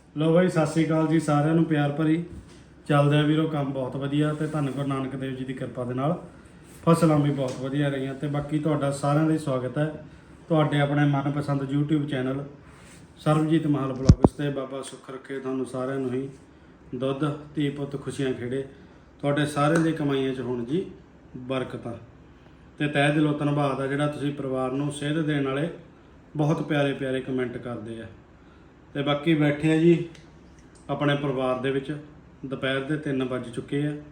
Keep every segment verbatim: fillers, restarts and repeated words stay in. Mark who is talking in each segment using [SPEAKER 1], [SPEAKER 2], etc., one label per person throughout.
[SPEAKER 1] ਲੋ ਬਾਈ ਸਤਿ ਸ੍ਰੀ ਅਕਾਲ ਜੀ ਸਾਰਿਆਂ ਨੂੰ ਪਿਆਰ ਭਰੀ। ਚੱਲਦੇ ਆ ਵੀਰੋ ਕੰਮ ਬਹੁਤ ਵਧੀਆ ਤੇ ਧੰਨ ਗੁਰੂ ਨਾਨਕ ਦੇਵ ਜੀ ਦੀ ਕਿਰਪਾ ਦੇ ਨਾਲ ਫਸਲਾਂ ਵੀ ਬਹੁਤ ਵਧੀਆ ਰਹੀਆਂ ਤੇ ਬਾਕੀ ਤੁਹਾਡਾ ਸਾਰਿਆਂ ਦਾ ਸਵਾਗਤ ਹੈ ਤੁਹਾਡੇ ਆਪਣੇ ਮਨਪਸੰਦ YouTube channel Sarabjit Mahal blogs ਤੇ। ਬਾਬਾ ਸੁੱਖ ਰੱਖੇ ਤੁਹਾਨੂੰ ਸਾਰਿਆਂ ਨੂੰ ਹੀ ਦੁੱਧ ਧੀ ਪੁੱਤ ਖੁਸ਼ੀਆਂ ਖੇੜੇ ਤੁਹਾਡੇ ਸਾਰਿਆਂ ਦੀ ਕਮਾਈਆਂ 'ਚ ਹੋਣ ਜੀ ਬਰਕਤਾਂ ਤੇ ਤਹਿ ਦਿਲੋਂ ਧੰਨਵਾਦ ਆ ਜਿਹੜਾ ਤੁਸੀਂ ਪਰਿਵਾਰ ਨੂੰ ਸੇਧ ਦੇਣ ਵਾਲੇ ਬਹੁਤ ਪਿਆਰੇ ਪਿਆਰੇ ਕਮੈਂਟ ਕਰਦੇ ਆ। ਤੇ ਬਾਕੀ ਬੈਠੇ ਆ ਜੀ ਆਪਣੇ ਪਰਿਵਾਰ ਦੇ ਵਿੱਚ, ਦੁਪਹਿਰ ਦੇ ਤਿੰਨ ਵੱਜ ਚੁੱਕੇ ਆ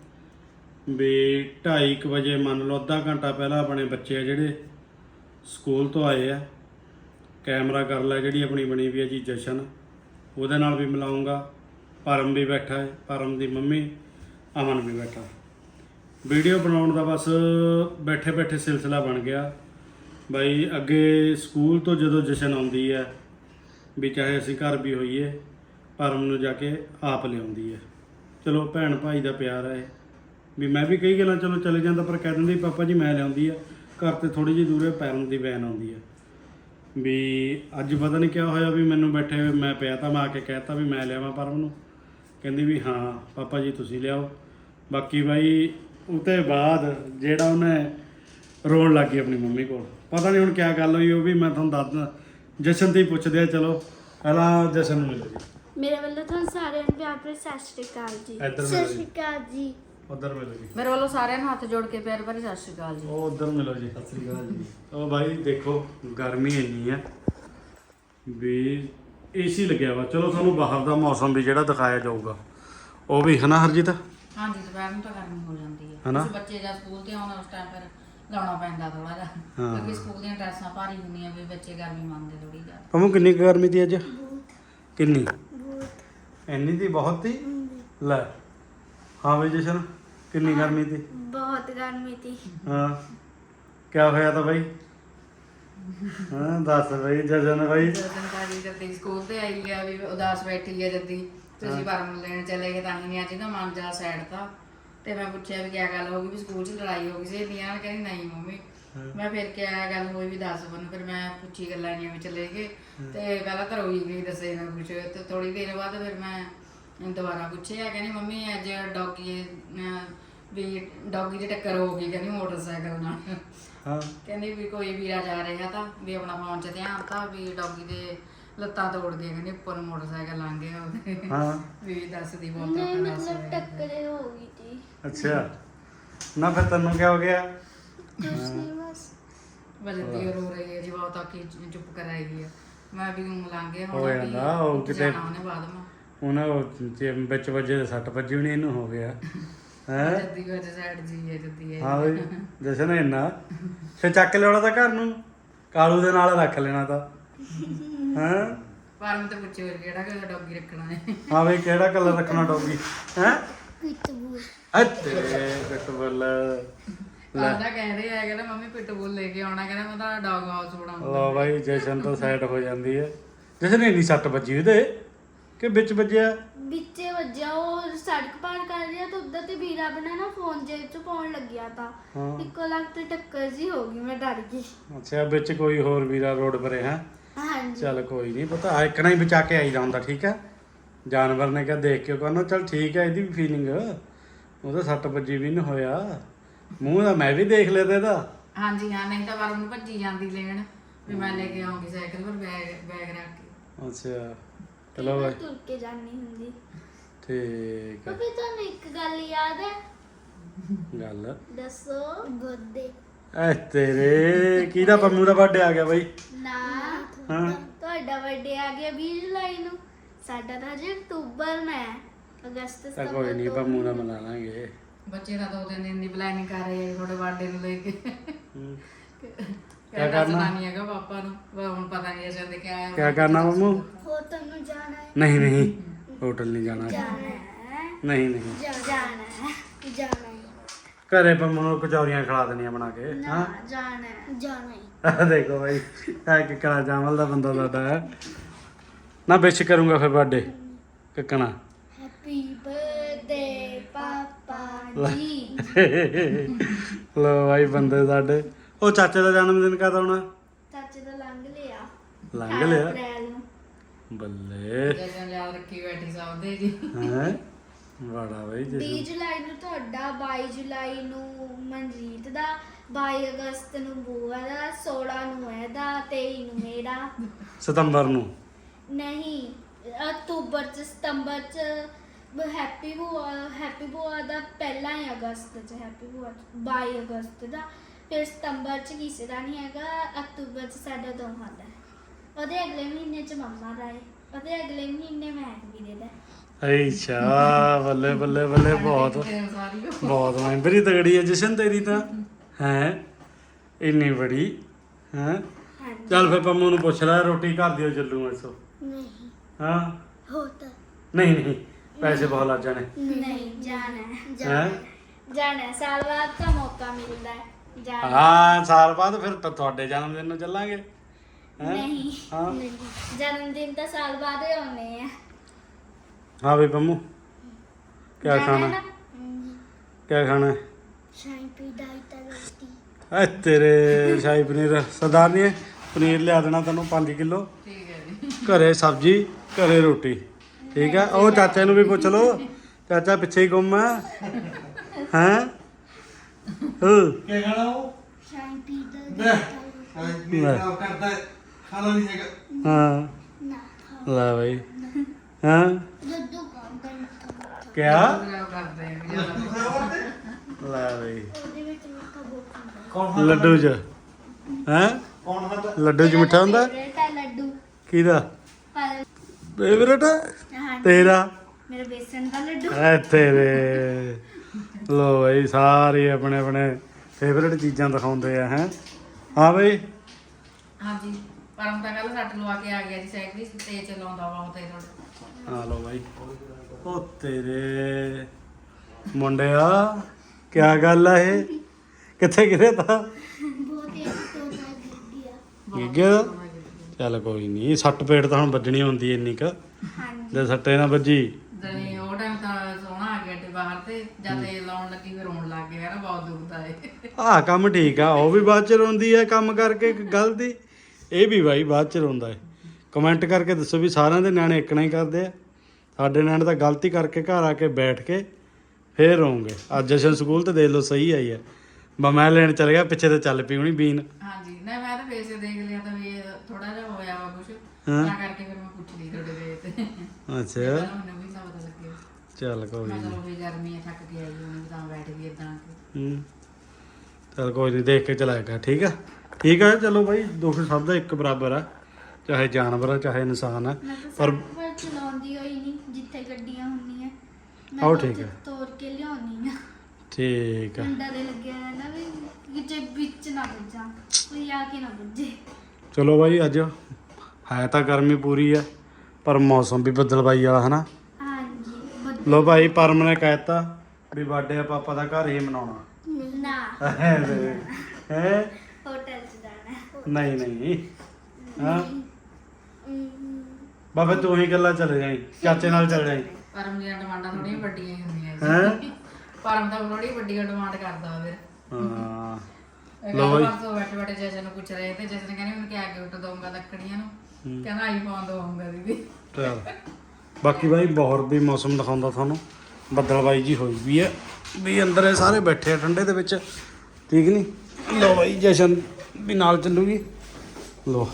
[SPEAKER 1] ਵੀ ਢਾਈ ਕੁ ਵਜੇ ਮੰਨ ਲਓ ਅੱਧਾ ਘੰਟਾ ਪਹਿਲਾਂ ਆਪਣੇ ਬੱਚੇ ਆ ਜਿਹੜੇ ਸਕੂਲ ਤੋਂ ਆਏ ਆ। ਕੈਮਰਾ ਕਰ ਲੈ ਜਿਹੜੀ ਆਪਣੀ ਬਣੀ ਵੀ ਹੈ ਜੀ ਜਸ਼ਨ, ਉਹਦੇ ਨਾਲ ਵੀ ਮਿਲਾਉਂਗਾ। ਪਰਮ ਵੀ ਬੈਠਾ ਹੈ, ਪਰਮ ਦੀ ਮੰਮੀ ਅਮਨ ਵੀ ਬੈਠਾ। ਵੀਡੀਓ ਬਣਾਉਣ ਦਾ ਬਸ ਬੈਠੇ ਬੈਠੇ ਸਿਲਸਿਲਾ ਬਣ ਗਿਆ ਬਾਈ। ਅੱਗੇ ਸਕੂਲ ਤੋਂ ਜਦੋਂ ਜਸ਼ਨ ਆਉਂਦੀ ਹੈ ਵੀ ਚਾਹੇ ਅਸੀਂ ਘਰ ਵੀ ਹੋਈਏ ਪਰਮ ਨੂੰ ਜਾ ਕੇ ਆਪ ਲਿਆਉਂਦੀ ਹੈ। ਚਲੋ ਭੈਣ ਭਾਈ ਦਾ ਪਿਆਰ ਹੈ ਵੀ ਮੈਂ ਵੀ ਕਈ ਗੱਲਾਂ ਚਲੋ ਚਲੇ ਜਾਂਦਾ ਪਰ ਕਹਿ ਦਿੰਦੀ ਪਾਪਾ ਜੀ ਮੈਂ ਲਿਆਉਂਦੀ ਆ। ਘਰ ਤੇ ਥੋੜੀ ਜਿਹੀ ਦੂਰੇ ਪਰਮ ਦੀ ਵੈਨ ਆਉਂਦੀ ਹੈ ਵੀ ਅੱਜ ਪਤਾ ਨਹੀਂ ਕਿਆ ਹੋਇਆ ਵੀ ਮੈਨੂੰ ਬੈਠੇ ਮੈਂ ਪਿਆ ਤਾਂ ਮੈਂ ਆ ਕੇ ਕਹਿਤਾ ਵੀ ਮੈਂ ਲਿਆਵਾਂ ਪਰਮ ਨੂੰ। ਕਹਿੰਦੀ ਵੀ ਹਾਂ ਪਾਪਾ ਜੀ ਤੁਸੀਂ ਲਿਆਓ। ਬਾਕੀ ਬਾਈ ਉਹਤੇ ਬਾਅਦ ਜਿਹੜਾ ਉਹਨੇ ਰੋਣ ਲੱਗ ਗਈ ਆਪਣੀ ਮੰਮੀ ਕੋਲ, ਪਤਾ ਨਹੀਂ ਹੁਣ ਕਿਆ ਗੱਲ ਹੋਈ ਉਹ ਵੀ ਮੈਂ ਤੁਹਾਨੂੰ ਦੱਸਦਾ। ਜਸ਼ਨ ਤੇ ਹੀ ਪੁੱਛਦੇ ਆ। ਚਲੋ ਪਹਿਲਾਂ ਜਸ਼ਨ ਨੂੰ ਮਿਲੋ ਜੀ।
[SPEAKER 2] ਮੇਰੇ ਵੱਲੋਂ ਤੁਹਾਨੂੰ ਸਾਰਿਆਂ ਨੂੰ ਪਿਆਰ ਭਰੀ ਸਤਿ ਸ਼੍ਰੀ ਅਕਾਲ ਜੀ।
[SPEAKER 1] ਇੱਧਰ
[SPEAKER 2] ਸਤਿ
[SPEAKER 1] ਮਿਲੋ
[SPEAKER 2] ਸ਼੍ਰੀ
[SPEAKER 1] ਜੀ,
[SPEAKER 2] ਅਕਾਲ ਜੀ।
[SPEAKER 1] ਉਧਰ ਮਿਲੋ ਜੀ।
[SPEAKER 3] ਮੇਰੇ ਵੱਲੋਂ ਸਾਰਿਆਂ ਨੂੰ ਹੱਥ ਜੋੜ ਕੇ ਪਿਆਰ ਭਰੀ ਸਤਿ ਸ਼੍ਰੀ ਅਕਾਲ ਜੀ।
[SPEAKER 1] ਉਹ ਉਧਰ ਮਿਲੋ ਜੀ। ਸਤਿ ਸ੍ਰੀ ਅਕਾਲ ਜੀ। ਉਹ ਭਾਈ ਦੇਖੋ ਗਰਮੀ ਇੰਨੀ ਹੈ ਵੀ ਏਸੀ ਲੱਗਿਆ ਵਾ। ਚਲੋ ਤੁਹਾਨੂੰ ਬਾਹਰ ਦਾ ਮੌਸਮ ਵੀ ਜਿਹੜਾ ਦਿਖਾਇਆ ਜਾਊਗਾ ਉਹ ਵੀ ਹਨਾ ਹਰਜੀਤ।
[SPEAKER 3] ਹਾਂਜੀ ਦੁਪਹਿਰ ਨੂੰ ਤਾਂ ਗਰਮੀ ਹੋ ਜਾਂਦੀ ਹੈ
[SPEAKER 1] ਹਨਾ?
[SPEAKER 3] ਕੁਝ ਬੱਚੇ ਜਦ ਸਕੂਲ ਤੇ ਆਉਣ ਉਸ ਟਾਈਮ ਫਿਰ ਲਾਉਣਾ ਪੈਂਦਾ ਥੋੜਾ ਜਿਹਾ, ਕਿਉਂਕਿ ਸਕੂਲ ਦੀਆਂ ਡਰੈਸਾਂ ਭਾਰੀ ਹੁੰਦੀਆਂ ਵੀ ਬੱਚੇ ਗਰਮੀ ਮੰਨਦੇ ਥੋੜੀ ਜਿਹਾ।
[SPEAKER 1] ਪਮੂ ਕਿੰਨੀ ਕੁ ਗਰਮੀ ਦੀ ਅੱਜ? ਕਿੰਨੀ?
[SPEAKER 2] ਬਹੁਤ
[SPEAKER 1] ਇੰਨੀ ਦੀ ਬਹੁਤ ਹੀ ਲੈ। ਹਾਂ ਬਈ ਜਸ਼ਨ ਕਿੰਨੀ ਗਰਮੀ ਦੀ?
[SPEAKER 2] ਬਹੁਤ ਗਰਮੀ ਥੀ।
[SPEAKER 1] ਹਾਂ ਕਿਆ ਹੋਇਆ ਤਾਂ ਬਾਈ? ਹਾਂ ਦੱਸ ਬਈ ਜਸ਼ਨ ਬਾਈ।
[SPEAKER 3] ਜਦੋਂ ਕਾਜੀ ਜੱਦੀ ਸਕੂਲ ਤੇ ਆਈ ਗਿਆ ਵੀ ਉਦਾਸ ਬੈਠੀ ਹੈ ਜੱਦੀ, ਤੁਸੀਂ ਪਰਮ ਲੈਣ ਚਲੇ ਗਏ ਤਾਂ ਨਹੀਂ ਅੱਜ ਨਾ ਮਨ ਜਾ ਸਾਈਡ ਤਾਂ। ਤੇ ਮੈਂ ਪੁੱਛਿਆ ਵੀ ਕਿਆ ਗੱਲ ਹੋ ਗਈ ਵੀ ਸਕੂਲ 'ਚ ਲੜਾਈ ਹੋ ਗਈ ਸਹੇਲੀਆਂ ਨਾਲ? ਕਹਿੰਦੀ ਨਹੀਂ ਮੰਮੀ। ਮੈਂ ਫਿਰ ਕਿਆ ਗੱਲ ਹੋਈ ਵੀ ਦੱਸ ਮੈਨੂੰ। ਫਿਰ ਮੈਂ ਪੁੱਛੀ ਗੱਲਾਂ ਇੰਨੀਆਂ ਵੀ ਚਲੇ ਗਏ ਤੇ ਪਹਿਲਾਂ ਤਾਂ ਰੋਈ ਗਈ ਦੱਸੇ ਨਾ ਕੁਛ। ਤੇ ਥੋੜੀ ਦੇਰ ਬਾਅਦ ਫਿਰ ਮੈਂ ਦੁਬਾਰਾ ਪੁੱਛਿਆ, ਕਹਿੰਦੀ ਮੰਮੀ ਅੱਜ ਡੌਗੀ ਵੀ ਡੌਗੀ ਦੀ ਟੱਕਰ ਹੋ ਗਈ ਕਹਿੰਦੀ ਮੋਟਰਸਾਈਕਲ ਨਾਲ।
[SPEAKER 1] ਹਾਂ
[SPEAKER 3] ਕਹਿੰਦੀ ਵੀ ਕੋਈ ਵੀਰਾ ਜਾ ਰਿਹਾ ਤਾਂ ਵੀ ਆਪਣਾ ਫੋਨ 'ਚ ਧਿਆਨ ਤਾਂ ਵੀ ਡੌਗੀ ਦੇ ਲੱਤਾਂ ਤੋੜ ਗਏ ਕਹਿੰਦੀ ਉੱਪਰ ਨੂੰ ਮੋਟਰਸਾਈਕਲ ਲੰਘ ਗਿਆ ਉਹਦੇ।
[SPEAKER 1] ਹਾਂ
[SPEAKER 3] ਵੀ ਦੱਸਦੀ ਬਹੁਤ
[SPEAKER 2] ਨਹੀਂ
[SPEAKER 3] ਔਖਾ ਦੱਸ
[SPEAKER 2] ਮਤਲਬ
[SPEAKER 3] ਰਿਹਾ।
[SPEAKER 2] ਟੱਕਰੇ ਹੋ ਗਈ ਥੀ।
[SPEAKER 1] ਅੱਛਾ ਨਾ ਫਿਰ ਤੈਨੂੰ ਕਿਆ ਹੋ ਗਿਆ?
[SPEAKER 2] ਕੁਛ ਨਹੀਂ ਬਸ।
[SPEAKER 3] ਵਜਦੀ ਰੋ ਰਹੀ ਹੈ ਜੀ ਬਹੁਤ ਔਖੀ ਚੁੱਪ ਕਰਾਈ ਗਈ ਹੈ। ਮੈਂ ਵੀ ਘੁੰਮ ਲਾਂਗੇ ਹੁਣ
[SPEAKER 1] ਹੋ ਜਾਂਦਾ ਉਹ ਕਿਤੇ
[SPEAKER 3] ਉਹਨੇ ਬਾਅਦ ਮਾ
[SPEAKER 1] ਉਹਨਾਂ ਉਹ ਜੇ ਵਿੱਚ ਵੱਜੇ ਦੇ ਸੱਟ ਵੱਜੀ ਵੀ ਨਹੀਂ ਇਹਨੂੰ ਹੋ ਗਿਆ ਹੈ।
[SPEAKER 3] ਜੱਦੀ ਵਿੱਚ ਸਾਈਡ ਜੀ ਹੈ ਜੱਦੀ ਹੈ।
[SPEAKER 1] ਹਾਂ ਬਈ ਜਸ਼ਨ ਇੰਨਾ ਫਿਰ ਚੱਕ ਲਿਆਉਣਾ ਤਾਂ ਘਰ ਨੂੰ ਕਾਲੂ ਦੇ ਨਾਲ ਰੱਖ ਲੈਣਾ ਤਾਂ ਹੈ।
[SPEAKER 3] ਪਰਮ ਤੇ ਪੁੱਛੇ ਹੋਰ ਕਿਹੜਾ ਕਿਹੜਾ ਡੌਗੀ ਰੱਖਣਾ ਹੈ।
[SPEAKER 1] ਹਾਂ ਬਈ ਕਿਹੜਾ ਕਲਰ ਰੱਖਣਾ ਡੌਗੀ ਹੈ?
[SPEAKER 2] ਪਿੱਟਬੁਲ।
[SPEAKER 1] ਅੱਤੇ ਪਿਟਬੁਲ ਲੈ।
[SPEAKER 3] ਆਂਦਾ ਕਹਿ ਰਿਹਾ ਹੈ ਕਹਿੰਦਾ ਮੰਮੀ ਪਿਟਬੁਲ ਲੈ ਕੇ ਆਉਣਾ, ਕਹਿੰਦਾ ਮੈਂ ਤਾਂ ਡੌਗ ਹਾਊਸ ਬਣਾਉਂਗਾ।
[SPEAKER 1] ਲੋ ਬਾਈ ਜਸ਼ਨ ਤੋਂ ਸਾਈਡ ਹੋ ਜਾਂਦੀ ਹੈ। ਜਸ਼ਨ ਇੰਨੀ ਸੱਟ ਵੱਜੀ ਉਹਦੇ ਕਿ ਵਿੱਚ ਵੱਜਿਆ?
[SPEAKER 2] ਵਿੱਚੇ ਵੱਜਿਆ। ਉਹ ਸੜਕ ਪਾਰ ਕਰ ਰਿਹਾ ਤਾਂ ਉੱਧਰ ਤੇ ਵੀਰਾ ਬਣਾ ਨਾ ਫੋਨ ਜੇਬ 'ਚ ਪਾਉਣ ਲੱਗਿਆ ਤਾਂ
[SPEAKER 1] ਹਾਂ
[SPEAKER 2] ਇੱਕੋ ਲੱਗ ਤੇ ਟੱਕਰ ਜੀ ਹੋ ਗਈ। ਮੈਂ ਡਰ ਗਈ।
[SPEAKER 1] ਅੱਛਾ ਵਿੱਚ ਕੋਈ ਹੋਰ ਵੀਰਾ ਰੋਡ ਪਰੇ ਹੈ?
[SPEAKER 2] ਹਾਂਜੀ
[SPEAKER 1] ਚੱਲ ਕੋਈ ਨਹੀਂ ਪਤਾ ਇਕਣਾ ਹੀ ਬਚਾ ਕੇ ਆਈ ਜਾਂਦਾ ਠੀਕ ਹੈ। ਜਾਨਵਰ ਨੇ ਕਿਹਾ ਦੇਖ ਕੇ ਕਹਿੰਦਾ ਚੱਲ ਠੀਕ ਹੈ ਇਹਦੀ ਵੀ ਫੀਲਿੰਗ ਉਹਦਾ ਸੱਟ ਵੱਜੀ ਵੀ ਨਹੀਂ ਹੋਇਆ। ਮੂੰਹ ਦਾ ਮੈਂ ਵੀ ਦੇਖ ਲਿਆ ਤੇ ਇਹਦਾ।
[SPEAKER 3] ਹਾਂਜੀ ਹਾਂ, ਨਹੀਂ ਤਾਂ ਪਰਮ ਨੂੰ ਭੱਜੀ ਜਾਂਦੀ ਲੈਣ ਵੀ ਮੈਂ ਲੈ ਕੇ ਆਉਂਗੀ ਸਾਈਕਲ ਪਰ ਬੈਗ ਬੈਗ ਰੱਖ ਕੇ।
[SPEAKER 1] ਅੱਛਾ ਚਲੋ ਬਾਈ
[SPEAKER 2] ਤੁਰ ਕੇ ਜਾਣੀ ਹੁੰਦੀ।
[SPEAKER 1] ਠੀਕ ਹੈ।
[SPEAKER 2] ਅਬੇ ਤੁਹਾਨੂੰ ਇੱਕ ਗੱਲ ਯਾਦ ਹੈ?
[SPEAKER 1] ਗੱਲ
[SPEAKER 2] ਦੱਸੋ। ਗੋਦੇ
[SPEAKER 1] ਐ ਤੇਰੇ ਕਿਹਦਾ ਪੰਮੂ ਦਾ ਬਰਥਡੇ ਆ ਗਿਆ ਬਾਈ?
[SPEAKER 2] ਨਾ
[SPEAKER 1] ਹਾਂ
[SPEAKER 2] ਤੁਹਾਡਾ ਬਰਥਡੇ ਆ ਗਿਆ ਵੀਹ ਜੁਲਾਈ ਨੂੰ। ਸਾਡਾ ਤਾਂ ਹਜੇ ਅਕਤੂਬਰ ਮੈਂ ਅਗਸਤ
[SPEAKER 1] ਤਾਂ
[SPEAKER 2] ਸਤੰਬਰ
[SPEAKER 1] ਕੋਈ ਨਹੀਂ
[SPEAKER 2] ਤੋਂ-
[SPEAKER 1] ਪੰਮੂ ਦਾ ਮਨਾ ਲਾਂਗੇ।
[SPEAKER 3] ਬੱਚੇ ਤਾਂ ਦੋ ਤਿੰਨ ਦਿਨ ਦੀ ਪਲੈਨਿੰਗ ਕਰ ਰਹੇ ਆ ਤੁਹਾਡੇ ਬਰਥਡੇ ਨੂੰ ਲੈ ਕੇ।
[SPEAKER 1] ਹੂੰ।
[SPEAKER 3] ਕਿਆ ਕਰਨਾ ਨਹੀਂ ਹੈਗਾ ਪਾਪਾ ਨੂੰ, ਪਰ ਹੁਣ ਪਤਾ ਨਹੀਂ ਅਸਰ ਦੇ ਕਿਆ
[SPEAKER 1] ਕਿਆ ਕਰਨਾ ਪੰਮੂ?
[SPEAKER 2] ਹੋਟਲ ਨੂੰ ਜਾਣਾ ਹੈ।
[SPEAKER 1] ਨਹੀਂ ਨਹੀਂ ਹੋਟਲ ਨਹੀਂ ਜਾਣਾ।
[SPEAKER 2] ਜਾਣਾ ਹੈ।
[SPEAKER 1] ਨਹੀਂ ਨਹੀਂ
[SPEAKER 2] ਜਾਣਾ ਹੈ। ਜਾਣਾ ਹੈ।
[SPEAKER 1] ਘਰੇ ਪੰਮੂ ਨੂੰ ਕਚੌਰੀਆਂ ਖਿਲਾ ਦੇਣੀਆਂ ਬਣਾ ਕੇ।
[SPEAKER 2] ਨਾ
[SPEAKER 1] ਹਾਂ
[SPEAKER 2] ਜਾਣਾ ਹੈ। ਜਾਣਾ ਹੈ।
[SPEAKER 1] ਆਹ ਦੇਖੋ ਬਾਈ ਇਹ ਕਿੱਕਣਾ ਜਾਮਲ ਦਾ ਬੰਦਾ ਸਾਡਾ ਹੈ ਨਾ। ਵਿਸ਼ ਕਰੂੰਗਾ ਫਿਰ ਬਰਥਡੇ ਕਿੱਕਣਾ।
[SPEAKER 2] Happy birthday papa ji.
[SPEAKER 1] ਲੋ ਬਾਈ ਬੰਦੇ ਸਾਡੇ। ਉਹ ਚਾਚੇ ਦਾ ਜਨਮ ਦਿਨ ਕਦ ਆਉਣਾ?
[SPEAKER 2] ਚਾਚੇ ਦਾ ਲੰਘ ਲਿਆ।
[SPEAKER 1] ਲੰਘ ਲਿਆ
[SPEAKER 2] ਅਪ੍ਰੈਲ ਨੂੰ।
[SPEAKER 1] ਬੱਲੇ
[SPEAKER 3] ਜਸ਼ਨ ਯਾਦ ਰੱਖੀ ਬੈਠੀ ਸਭ ਦੇ ਜੀ
[SPEAKER 1] ਹੈ ਬੜਾ ਬਈ
[SPEAKER 2] ਵੀਹ
[SPEAKER 1] ਜਸ਼ਨ
[SPEAKER 2] ਜੁਲਾਈ ਨੂੰ ਤੁਹਾਡਾ, ਬਾਈ ਜੁਲਾਈ ਨੂੰ ਮਨਜੀਤ ਦਾ, ਬਾਈ ਅਗਸਤ ਨੂੰ ਬੂਆ ਦਾ, ਸੋਲਾਂ ਨੂੰ ਇਹਦਾ, ਤੇਈ ਨੂੰ ਮੇਰਾ।
[SPEAKER 1] ਸਤੰਬਰ ਨੂੰ
[SPEAKER 2] ਨਹੀਂ, ਅਕਤੂਬਰ ਚ, ਸਤੰਬਰ ਚ ਹੈਪੀ ਬੂਆ, ਹੈਪੀ ਬੂਆ ਦਾ ਪਹਿਲਾਂ ਹੀ ਅਗਸਤ ਚ ਹੈਪੀ ਬੂਆ ਬਾਈ ਅਗਸਤ ਦਾ, ਫਿਰ ਸਤੰਬਰ ਚ ਕਿਸੇ ਦਾ ਨਹੀਂ ਹੈਗਾ, ਅਕਤੂਬਰ ਚ ਸਾਡਾ ਦੋਹਾਂ ਦਾ ਹੈ। ਉਹਦੇ ਅਗਲੇ ਮਹੀਨੇ ਚ ਮੰਮਾ ਦਾ ਹੈ, ਉਹਦੇ ਅਗਲੇ ਮਹੀਨੇ ਮਹਿਕ ਵੀਰੇ ਦਾ ਹੈ।
[SPEAKER 1] ਅੱਛਾ ਬੱਲੇ ਬੱਲੇ ਬੱਲੇ ਬਹੁਤ
[SPEAKER 3] ਸਾਰੀ
[SPEAKER 1] ਬਹੁਤ ਮੈਂਬਰੀ ਤਗੜੀ ਹੈ ਜਸ਼ਨ ਤੇਰੀ ਤਾਂ ਹੈ ਇੰਨੀ ਬੜੀ ਹੈ।
[SPEAKER 2] ਹਾਂਜੀ।
[SPEAKER 1] ਚੱਲ ਫਿਰ ਪੰਮੂ ਨੂੰ ਪੁੱਛ ਲੈ ਰੋਟੀ ਘਰ ਦਿਓ ਚੱਲੂ ਐਸੋ
[SPEAKER 2] ਨਹੀਂ
[SPEAKER 1] ਹਾਂ
[SPEAKER 2] ਹੋਤਾ
[SPEAKER 1] ਨਹੀਂ ਨਹੀਂ ਪੈਸੇ ਬਹੁਤ ਲੱਗ ਜਾਣੇ
[SPEAKER 2] ਨਹੀਂ ਜਾਣਾ ਹੈ
[SPEAKER 1] ਹੈ
[SPEAKER 2] ਜਾਣਾ ਹੈ, ਸਾਲ ਬਾਅਦ ਤਾਂ ਮੌਕਾ ਮਿਲਦਾ ਹੈ ਜਾਣਾ।
[SPEAKER 1] ਹਾਂ ਸਾਲ ਬਾਅਦ ਫਿਰ ਤਾਂ ਤੁਹਾਡੇ ਜਨਮ ਦਿਨ ਨੂੰ ਚੱਲਾਂਗੇ ਹੈਂ?
[SPEAKER 2] ਨਹੀਂ
[SPEAKER 1] ਹਾਂ
[SPEAKER 2] ਜਨਮ ਦਿਨ ਤਾਂ ਸਾਲ ਬਾਅਦ ਹੀ ਆਉਣੇ ਆ।
[SPEAKER 1] हाँ भाई पम्मू क्या
[SPEAKER 2] ਜਾਣਾ
[SPEAKER 1] खाना
[SPEAKER 2] ਨਾ?
[SPEAKER 1] क्या खाना है
[SPEAKER 2] ਸ਼ਾਈ ਪੀ ਦਾਈ ਤਾਂ ਰੋਟੀ
[SPEAKER 1] ऐ तेरे शाही पनीर सरदार ने पनीर लिया देना तेन पाँच किलो
[SPEAKER 3] ਠੀਕ ਹੈ ਜੀ
[SPEAKER 1] घरे सब्जी घरे रोटी ठीक है ओ चाचे ਨੂੰ भी पूछ लो चाचा पिछे ही गुम है हैं
[SPEAKER 4] क्या खाना वो
[SPEAKER 2] ਸ਼ਾਈ ਪੀ
[SPEAKER 4] मैं मेरा करता है खाना नहीं है
[SPEAKER 1] हाँ
[SPEAKER 2] ਨਾ
[SPEAKER 1] ला भाई हाँ
[SPEAKER 2] ਲੱਡੂ ਕੰਮ ਕਰਨਾ
[SPEAKER 1] क्या
[SPEAKER 3] ਪ੍ਰੋਗਰਾਮ ਕਰਦੇ ਆ ਵੀ ਜ਼ਿਆਦਾ
[SPEAKER 1] ला भाई
[SPEAKER 2] ਉਹਦੇ ਵਿੱਚ ਮਿੱਠਾ ਬਹੁਤ ਹੁੰਦਾ
[SPEAKER 4] कौन खाता
[SPEAKER 1] ਲੱਡੂ ਚ हैं
[SPEAKER 4] कौन खाता
[SPEAKER 1] ਲੱਡੂ ਚ ਮਿੱਠਾ ਹੁੰਦਾ
[SPEAKER 2] ਫੇਵਰੇਟ ਹੈ ਲੱਡੂ
[SPEAKER 1] ਕਿਹਦਾ
[SPEAKER 2] ਪਰ
[SPEAKER 1] ਫੇਵਰੇਟ
[SPEAKER 2] ਹਾਂ
[SPEAKER 1] ਤੇਰਾ
[SPEAKER 2] ਮੇਰਾ ਬੇਸਨ ਦਾ ਲੱਡੂ
[SPEAKER 1] ਐ ਤੇਰੇ ਲੋ ਬਈ ਸਾਰੇ ਆਪਣੇ ਆਪਣੇ ਫੇਵਰੇਟ ਚੀਜ਼ਾਂ ਦਿਖਾਉਂਦੇ ਆ ਹੈ ਹਾਂ ਬਈ
[SPEAKER 3] ਹਾਂਜੀ ਪਰਮ ਤਾਂ ਕੱਲ ਸੱਟ ਲਵਾ ਕੇ ਆ ਗਿਆ ਜੀ ਸਾਈਕਲ ਤੇ ਚਲਾਉਂਦਾ ਬਹੁਤ ਹੈ ਤੁਹਾਡੇ
[SPEAKER 1] ਹਾਂ ਲੋ ਬਾਈ ਉਹ ਤੇਰੇ ਮੁੰਡਿਆ ਕੀ ਗੱਲ ਆ ਇਹ ਕਿੱਥੇ ਗਿਰੇ ਤਾਂ
[SPEAKER 2] ਬਹੁਤ ਹੀ ਤੋਂ ਦਾ ਗਿਆ
[SPEAKER 1] ਗਿਰ ਗਿਆ ਚੱਲ ਕੋਈ ਨਹੀਂ ਸੱਟ ਪੇਟ ਤਾਂ ਹੁਣ ਵੱਜਣੀ ਹੁੰਦੀ ਇੰਨੀ ਕ
[SPEAKER 2] ਹਾਂਜੀ
[SPEAKER 1] ਜੇ ਸੱਟੇ ਨਾ ਵੱਜੀ
[SPEAKER 3] ਜਣੀ ਉਹ ਟਾਈਮ ਤਾਂ ਸੋਹਣਾ ਆ ਗਿਆ ਤੇ ਬਾਹਰ ਤੇ ਜਦ ਇਹ ਲਾਉਣ ਲੱਗੀ ਫਿਰ ਰੋਣ ਲੱਗ ਗਿਆ ਨਾ ਬਹੁਤ ਦੁਖਦਾ ਏ
[SPEAKER 1] ਆਹ ਕੰਮ ਠੀਕ ਆ ਉਹ ਵੀ ਬਾਅਦ ਚ ਰੋਂਦੀ ਆ ਕੰਮ ਕਰਕੇ ਗਲਤੀ ਇਹ ਵੀ ਬਾਈ ਬਾਅਦ ਚ ਰੋਂਦਾ ਏ ਕਮੈਂਟ ਕਰਕੇ ਦੱਸੋ ਵੀ ਸਾਰਿਆਂ ਦੇ ਨਿਆਣੇ ਇੱਕਣਾ ਹੀ ਕਰਦੇ ਆ ਸਾਡੇ ਨਿਆਣੇ ਤਾਂ ਗਲਤੀ ਕਰਕੇ ਘਰ ਆ ਕੇ ਬੈਠ ਕੇ ਫੇਰ ਰੋਂਗੇ ਅੱਜ ਜਸ਼ਨ ਸਕੂਲ ਤੇ ਦੇਖ ਲਓ ਸਹੀ ਆਈ ਹੈ ਬਾ ਮੈਂ ਲੈਣ ਚਲ ਗਿਆ ਪਿੱਛੇ ਤੇ ਚੱਲ ਪਈ ਹੋਣੀ ਬੀਨ
[SPEAKER 3] ਹਾਂਜੀ ਨਹੀਂ ਮੈਂ ਤਾਂ ਫੇਸ ਦੇਖ ਲਿਆ ਤਾਂ ਵੀ ਥੋੜਾ ਜਿਹਾ ਹੋਇਆ ਵਾ ਕੁਛ
[SPEAKER 1] ਹਾਂ।
[SPEAKER 3] ਤਾਂ ਕਰਕੇ ਫਿਰ ਮੈਂ ਪੁੱਛ ਲਈ ਤੁਹਾਡੇ ਵੇ ਤੇ
[SPEAKER 1] ਅੱਛਾ
[SPEAKER 3] ਪਹਿਲਾਂ ਮੈਨੂੰ ਵੀ ਸਭ ਪਤਾ ਲੱਗਿਆ
[SPEAKER 1] ਚੱਲ ਕੋਈ
[SPEAKER 3] ਮੈਂ
[SPEAKER 1] ਨਹੀਂ
[SPEAKER 3] ਚਲੋ ਵੀ ਗਰਮੀ ਆ ਥੱਕ ਕੇ ਆਈ ਹੁਣ ਤਾਂ ਬੈਠ ਗਈ ਇਦਾਂ
[SPEAKER 1] ਹੂੰ ਚੱਲ ਕੋਈ ਨਹੀਂ ਦੇਖ ਕੇ ਚਲਾਏਗਾ ਠੀਕ ਆ ਠੀਕ ਆ ਚਲੋ ਬਾਈ ਦੁੱਖ ਸਭ ਦਾ ਇੱਕ ਬਰਾਬਰ ਆ ਚਾਹੇ ਜਾਨਵਰ ਆ ਚਾਹੇ ਇਨਸਾਨ ਆ
[SPEAKER 2] ਮੈਂ ਤਾਂ
[SPEAKER 1] ਪਰ
[SPEAKER 2] ਸੜਕ ਪਰ ਚਲਾਉਂਦੀ ਹੋਈ ਨਹੀਂ ਜਿੱਥੇ ਗੱਡੀਆਂ ਹੁੰਦੀਆਂ ਮੈਂ
[SPEAKER 1] ਆਹੋ
[SPEAKER 2] ਤਾਂ
[SPEAKER 1] ਠੀਕ
[SPEAKER 2] ਉੱਥੇ
[SPEAKER 1] ਹੈ।
[SPEAKER 2] ਤੋੜ ਕੇ ਲਿਆਉਣੀ ਆ
[SPEAKER 1] ਠੀਕ ਆ
[SPEAKER 2] ਡੰਡਾ ਦੇ ਲੱਗਿਆ ਹੈ ਨਾ ਵੀ ਕਿਤੇ ਵਿੱਚ ਨਾ ਵੱਜਾਂ ਕੋਈ ਆ ਕੇ ਨਾ ਵੱਜੇ
[SPEAKER 1] ਚਲੋ ਬਾਈ ਅੱਜ ਹੈ ਤਾਂ ਗਰਮੀ ਪੂਰੀ ਆ ਪਰ ਮੌਸਮ ਵੀ ਬੱਦਲਬਾਈ ਵਾਲਾ ਹਨਾ
[SPEAKER 2] ਹਾਂਜੀ ਬੱਦ-
[SPEAKER 1] ਲੋ ਭਾਈ ਪਰਮ ਨੇ ਕਹਿਤਾ ਵੀ ਬਰਥਡੇ ਪਾਪਾ ਦਾ ਘਰ ਹੀ ਮਨਾਉਣਾ
[SPEAKER 2] ਨਾ
[SPEAKER 1] ਹੈ
[SPEAKER 2] ਹੋਟਲ ਚ ਜਾਣਾ ਹੈ।
[SPEAKER 1] ਨਹੀਂ ਨਹੀਂ ਹਾਂ
[SPEAKER 2] ਹਮ,
[SPEAKER 1] ਬਾਬਾ ਤੂੰ ਹੀ ਗੱਲਾਂ ਚਲੇ ਜਾਈ ਚਾਚੇ ਨਾਲ ਚਲੇ ਜਾਈ
[SPEAKER 3] ਪਰਮ ਦੀਆਂ ਡਿਮਾਂਡਾਂ ਥੋੜੀਆਂ ਵੱਡੀਆਂ ਹੀ ਹੁੰਦੀਆਂ
[SPEAKER 1] ਹੈਂ?
[SPEAKER 3] ਜੀ ਪਰਮ ਤਾਂ ਥੋੜੀ ਵੱਡੀ ਡਿਮਾਂਡ ਕਰਦਾ ਫਿਰ
[SPEAKER 1] ਹਾਂ
[SPEAKER 3] ਲੋ
[SPEAKER 1] ਲਓ ਬਾਈ।
[SPEAKER 3] ਪਰਸੋਂ ਬੈਠੇ ਬੈਠੇ ਜਸ਼ਨ ਨੂੰ ਪੁੱਛ ਰਹੇ ਤੇ ਜਸ਼ਨ ਕਹਿੰਦੀ ਮੈਨੂੰ ਕਿਆ ਗਿਫਟ ਦਊਂਗਾ ਲੱਕੜੀਆਂ ਨੂੰ ਕਹਿੰਦਾ ਆਈਫੋਨ ਦਊਂਗਾ ਦੀਦੀ
[SPEAKER 1] ਚਲ ਬਾਕੀ ਬਾਈ ਬਹੁਤ ਵੀ ਮੌਸਮ ਦਿਖਾਉਂਦਾ ਤੁਹਾਨੂੰ ਬੱਦਲਬਾਈ ਜੀ ਹੋਈ ਵੀ ਹੈ ਵੀ ਅੰਦਰ ਇਹ ਸਾਰੇ ਬੈਠੇ ਆ ਠੰਡੇ ਦੇ ਵਿੱਚ ਠੀਕ ਨਹੀਂ ਲੋ ਬਾਈ ਜਸ਼ਨ ਵੀ ਨਾਲ ਚੱਲੂਗੀ ਲੋ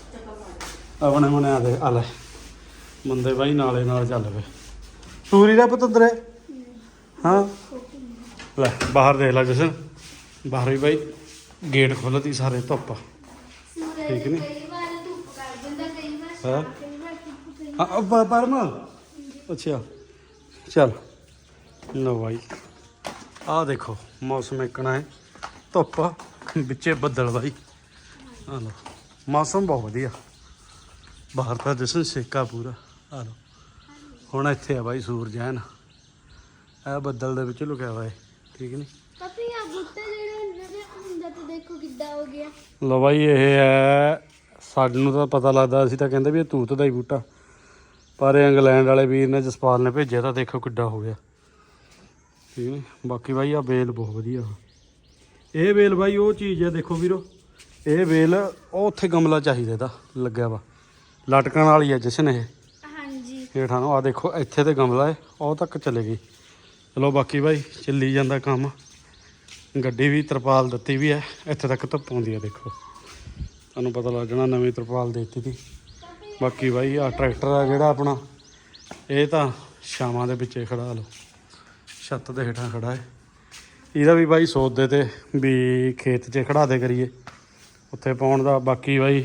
[SPEAKER 1] ਆਪਣੇ ਮਨੇ ਆ ਦੇ ਆ ਲੈ ਮੁੰਡੇ ਬਾਈ ਨਾਲੇ ਨਾਲ ਚੱਲ ਪਏ ਟੂਰੀ ਦਾ ਪੁੱਤ ਅੰਦਰ ਹੈ ਹਾਂ ਲੈ ਬਾਹਰ ਦੇਖ ਲੈ ਜਸ਼ਨ ਬਾਹਰ ਵੀ ਬਾਈ ਗੇਟ ਖੋਲ੍ਹਤੀ ਸਾਰੇ ਧੁੱਪ
[SPEAKER 2] ਸੂਰਜ
[SPEAKER 1] ਠੀਕ ਨੀ?
[SPEAKER 2] ਕਈ ਵਾਰ ਧੁੱਪ ਕਰ ਦਿੰਦਾ ਕਈ ਵਾਰ
[SPEAKER 1] ਹਾਂ।
[SPEAKER 2] ਛਾਂ, ਕਈ ਵਾਰ ਧੁੱਪ ਕਈ
[SPEAKER 1] ਹਾਂ ਪ- ਪਰਮ ਅੱਛਾ ਚੱਲ ਲੋ ਬਾਈ ਆਹ ਦੇਖੋ ਮੌਸਮ ਇੱਕਣਾ ਹੈ ਧੁੱਪ ਵਿੱਚੇ ਬੱਦਲ ਬਾਈ ਆ ਲੋ ਮੌਸਮ ਬਹੁਤ ਵਧੀਆ ਬਾਹਰ ਤਾਂ ਜਸ਼ਨ ਸੇਕਾ ਪੂਰਾ ਆ ਲੋ ਹੁਣ ਇੱਥੇ ਆ ਬਾਈ ਸੂਰਜ ਐਨ ਇਹ ਬੱਦਲ ਦੇ ਵਿੱਚ ਲੁਕਿਆ ਹੋਇਆ ਹੈ ਠੀਕ ਨਹੀਂ
[SPEAKER 2] ਪਾਪੀ ਆ ਬੁੱਤੇ ਜਿਹੜੇ ਹੁੰਦੇ ਨੇ ਹੁੰਦਾ ਤੇ ਦੇਖੋ ਕਿੱਦਾਂ ਹੋ ਗਿਆ
[SPEAKER 1] ਲੋ ਬਾਈ ਇਹ ਹੈ ਸਾਨੂੰ ਤਾਂ ਪਤਾ ਲੱਗਦਾ ਅਸੀਂ ਤਾਂ ਕਹਿੰਦੇ ਵੀ ਇਹ ਤੂਤ ਦਾ ਹੀ ਬੂਟਾ ਪਰ ਇਹ ਇੰਗਲੈਂਡ ਵਾਲੇ ਵੀਰ ਨੇ ਜਸਪਾਲ ਨੇ ਭੇਜਿਆ ਤਾਂ ਦੇਖੋ ਕਿੱਡਾ ਹੋ ਗਿਆ ਠੀਕ ਨੇ ਬਾਕੀ ਬਾਈ ਆ ਬੇਲ ਬਹੁਤ ਵਧੀਆ ਇਹ ਬੇਲ ਬਾਈ ਉਹ ਚੀਜ਼ ਹੈ ਦੇਖੋ ਵੀਰੋ ਇਹ ਬੇਲ ਉਹ ਉੱਥੇ ਗਮਲਾ ਚਾਹੀਦਾ ਇਹਦਾ ਲੱਗਿਆ ਵਾ ਲਟਕਣ ਵਾਲੀ ਹੈ ਜਸ਼ਨ ਇਹ
[SPEAKER 2] ਹਾਂਜੀ
[SPEAKER 1] ਹੇਠਾਂ ਨੂੰ। ਆ ਦੇਖੋ ਇੱਥੇ ਤੇ ਗਮਲਾ ਹੈ, ਉਹ ਤੱਕ ਚਲੇ ਗਈ। ਚਲੋ ਬਾਕੀ ਭਾਈ ਚੱਲੀ ਜਾਂਦਾ ਕੰਮ। ਗੱਡੀ ਵੀ ਤਰਪਾਲ ਦਿੱਤੀ ਵੀ ਹੈ, ਇੱਥੇ ਤੱਕ ਧੁੱਪ ਆਉਂਦੀ ਹੈ ਦੇਖੋ, ਤੁਹਾਨੂੰ ਪਤਾ ਲੱਗ ਜਾਣਾ ਨਵੀਂ ਤਰਪਾਲ ਦੇ ਦਿੱਤੀ ਤੀ। ਬਾਕੀ ਭਾਈ ਆ ਟਰੈਕਟਰ ਆ ਜਿਹੜਾ ਆਪਣਾ, ਇਹ ਤਾਂ ਛਾਵਾਂ ਦੇ ਵਿੱਚੇ ਖੜਾ ਲਓ, ਛੱਤ ਦੇ ਹੇਠਾਂ ਖੜਾ ਹੈ। ਇਹਦਾ ਵੀ ਭਾਈ ਸੋਚਦੇ ਤੇ ਵੀ ਖੇਤ 'ਚ ਖੜਾ ਦੇ ਕਰੀਏ ਉੱਥੇ ਪਾਉਣ ਦਾ। ਬਾਕੀ ਭਾਈ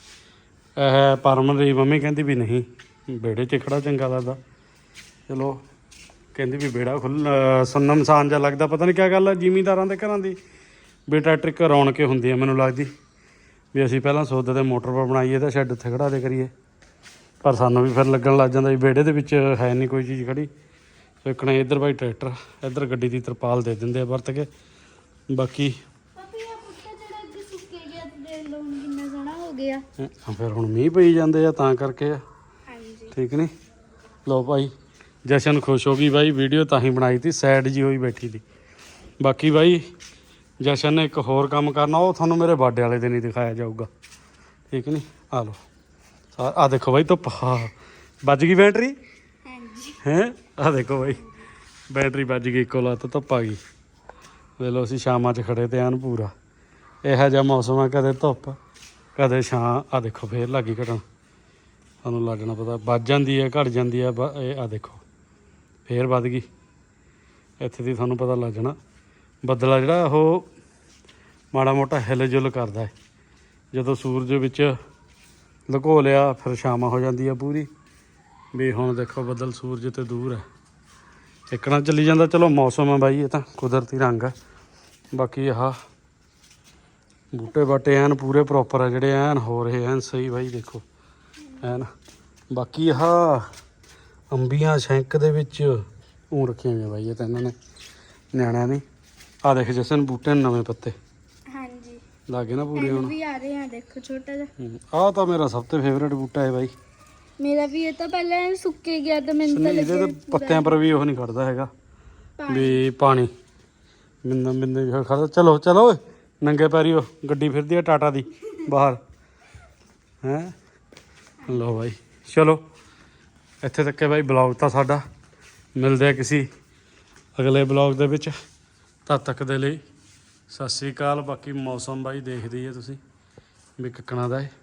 [SPEAKER 1] ਇਹ ਪਰਮਨ ਦੀ ਮੰਮੀ ਕਹਿੰਦੀ ਵੀ ਨਹੀਂ ਵਿਹੜੇ 'ਚ ਖੜਾ ਚੰਗਾ ਲੱਗਦਾ। ਚਲੋ ਕਹਿੰਦੀ ਵੀ ਵਿਹੜਾ ਖੁੱਲ੍ਹ ਸੁੰਨਮ ਸਾਨ ਜਿਹਾ ਲੱਗਦਾ, ਪਤਾ ਨਹੀਂ ਕਿਆ ਗੱਲ ਹੈ ਜ਼ਿਮੀਂਦਾਰਾਂ ਦੇ ਘਰਾਂ ਦੀ ਵੀ ਟਰੈਕਟਰ ਇੱਕ ਰੌਣਕ ਹੁੰਦੀ ਹੈ। ਮੈਨੂੰ ਲੱਗਦੀ ਵੀ ਅਸੀਂ ਪਹਿਲਾਂ ਸੋਚਦੇ ਤੇ ਮੋਟਰ ਪਰ ਬਣਾਈਏ ਤਾਂ ਸ਼ੈੱਡ ਉੱਥੇ ਖੜਾ ਦੇ ਕਰੀਏ, ਪਰ ਸਾਨੂੰ ਵੀ ਫਿਰ ਲੱਗਣ ਲੱਗ ਜਾਂਦਾ ਵੀ ਵਿਹੜੇ ਦੇ ਵਿੱਚ ਹੈ ਨਹੀਂ ਕੋਈ ਚੀਜ਼ ਖੜੀ। ਸੋ ਇੱਕਣਾ ਇੱਧਰ ਭਾਈ ਟਰੈਕਟਰ, ਇੱਧਰ ਗੱਡੀ ਦੀ ਤਰਪਾਲ ਦੇ ਦਿੰਦੇ ਆ ਵਰਤ ਕੇ। ਬਾਕੀ
[SPEAKER 2] ਪਾਪੀ ਆ ਬੂਟਾ ਜਿਹੜਾ ਅੱਗੇ ਸੁੱਕੇ ਗਿਆ ਤੇ ਦੇਖ ਲਓ ਹੁਣ ਕਿੰਨਾ ਸੋਹਣਾ ਹੋ ਗਿਆ।
[SPEAKER 1] ਅ, ਫਿਰ ਹੁਣ ਮੀਂਹ ਪਈ ਜਾਂਦੇ ਆ ਤਾਂ ਕਰਕੇ ਆ,
[SPEAKER 2] ਹਾਂਜੀ
[SPEAKER 1] ਠੀਕ ਨਹੀਂ। ਲਓ ਭਾਈ ਜਸ਼ਨ ਖੁਸ਼ ਹੋ ਗਈ ਬਾਈ, ਵੀਡੀਓ ਤਾਂ ਹੀ ਬਣਾਈ ਤੀ, ਸੈਡ ਜੀ ਹੋਈ ਬੈਠੀ ਤੀ। ਬਾਕੀ ਬਾਈ ਜਸ਼ਨ ਨੇ ਇੱਕ ਹੋਰ ਕੰਮ ਕਰਨਾ, ਉਹ ਤੁਹਾਨੂੰ ਮੇਰੇ ਬਰਥਡੇ ਵਾਲੇ ਦਿਨ ਹੀ ਦਿਖਾਇਆ ਜਾਊਗਾ, ਠੀਕ ਨਹੀਂ। ਆ ਲਓ ਆ ਦੇਖੋ ਬਾਈ ਧੁੱਪ, ਹਾਂ ਵੱਜ ਗਈ ਬੈਟਰੀ
[SPEAKER 2] ਹਾਂਜੀ
[SPEAKER 1] ਹੈਂ। ਆ ਦੇਖੋ ਬਾਈ ਬੈਟਰੀ ਵੱਜ ਗਈ, ਇੱਕੋ ਲੱਤ ਧੁੱਪ ਆ ਗਈ। ਵੇਖ ਲਓ ਅਸੀਂ ਸ਼ਾਮਾਂ 'ਚ ਖੜੇ ਤੇ ਐਨ ਪੂਰਾ ਇਹੋ ਜਿਹਾ ਮੌਸਮ ਆ, ਕਦੇ ਧੁੱਪ ਕਦੇ ਛਾਂ। ਆ ਦੇਖੋ ਫੇਰ ਲੱਗ ਗਈ ਘਟਣ, ਤੁਹਾਨੂੰ ਲੱਗਣਾ ਪਤਾ ਵੱਜ ਜਾਂਦੀ ਹੈ ਘਟ ਜਾਂਦੀ ਹੈ। ਬ- ਇਹ ਆ ਦੇਖੋ ਫੇਰ ਵੱਧ ਗਈ, ਇੱਥੇ ਦੀ ਤੁਹਾਨੂੰ ਪਤਾ ਲੱਗ ਜਾਣਾ। ਬੱਦਲਾ ਜਿਹੜਾ ਉਹ ਮਾੜਾ ਮੋਟਾ ਹਿਲ ਜੁਲ ਕਰਦਾ ਹੈ, ਜਦੋਂ ਸੂਰਜ ਵਿੱਚ ਲੁਕੋ ਲਿਆ ਫਿਰ ਛਾਵਾਂ ਹੋ ਜਾਂਦੀ ਆ ਪੂਰੀ। ਵੀ ਹੁਣ ਦੇਖੋ ਬੱਦਲ ਸੂਰਜ ਤੇ ਦੂਰ ਹੈ, ਇੱਕਣਾ ਚੱਲੀ ਜਾਂਦਾ। ਚਲੋ ਮੌਸਮ ਹੈ ਬਾਈ, ਇਹ ਤਾਂ ਕੁਦਰਤੀ ਰੰਗ ਹੈ। ਬਾਕੀ ਆਹ ਬੂਟੇ ਬਾਟੇ ਐਨ ਪੂਰੇ ਪ੍ਰੋਪਰ ਆ ਜਿਹੜੇ ਐਨ ਹੋ ਰਹੇ ਐਨ ਸਹੀ ਬਾਈ, ਦੇਖੋ ਐਨ। ਬਾਕੀ ਆਹ ਅੰਬੀਆਂ ਸ਼ੈਂਕ ਦੇ ਵਿੱਚ ਊਂ ਰੱਖੀਆਂ ਹੋਈਆਂ ਬਾਈ, ਇਹ ਤਾਂ ਇਹਨਾਂ ਨੇ ਨਿਆਣਿਆਂ ਨੇ। ਆਹ ਦੇਖ ਜਸਨ ਬੂਟੇ ਨੂੰ ਨਵੇਂ ਪੱਤੇ
[SPEAKER 2] ਹਾਂਜੀ
[SPEAKER 1] ਲਾਗੇ ਨਾ ਪੂਰੇ
[SPEAKER 2] ਇਹਨੂੰ
[SPEAKER 1] ਹੁਣ।
[SPEAKER 2] ਵੀ ਆ ਰਹੇ ਆ ਦੇਖੋ ਛੋਟਾ ਜਿਹਾ।
[SPEAKER 1] ਆਹ ਤਾਂ ਮੇਰਾ ਸਭ ਤੋਂ ਫੇਵਰੇਟ ਬੂਟਾ ਹੈ ਬਾਈ।
[SPEAKER 2] ਮੇਰਾ ਵੀ ਇਹ ਤਾਂ ਪਹਿਲਾਂ ਸੁੱਕੇ ਗਿਆ ਤਾਂ ਮੈਨੂੰ ਤਾਂ
[SPEAKER 1] ਨਹੀਂ ਇਹਦੇ
[SPEAKER 2] ਲੱਗਿਆ
[SPEAKER 1] ਤਾਂ ਪੱਤਿਆਂ ਪਰ ਵੀ ਉਹ ਨਹੀਂ ਖੜਦਾ ਹੈਗਾ ਵੀ ਪਾਣੀ ਬਿੰਦਾਂ ਬਿੰਦਾਂ ਵੀ ਖੜਦਾ। ਚਲੋ ਚਲੋ ਓਏ ਨੰਗੇ ਪੈਰੀ ਉਹ ਗੱਡੀ ਫਿਰਦੀ ਆ ਟਾਟਾ ਦੀ ਬਾਹਰ ਹੈਂ। ਲਓ ਬਾਈ ਚਲੋ ਇੱਥੇ ਤੱਕ ਹੈ ਬਾਈ ਬਲੌਗ ਤਾਂ ਸਾਡਾ। ਮਿਲਦੇ ਆ ਕਿਸੇ ਅਗਲੇ ਬਲੌਗ ਦੇ ਵਿੱਚ, ਤਦ ਤੱਕ ਦੇ ਲਈ ਸਤਿ ਸ਼੍ਰੀ ਅਕਾਲ। ਬਾਕੀ ਮੌਸਮ ਬਾਈ ਦੇਖਦੇ ਹੀ ਆ ਤੁਸੀਂ ਵੀ ਕਿੱਕਣਾ ਦਾ ਹੈ।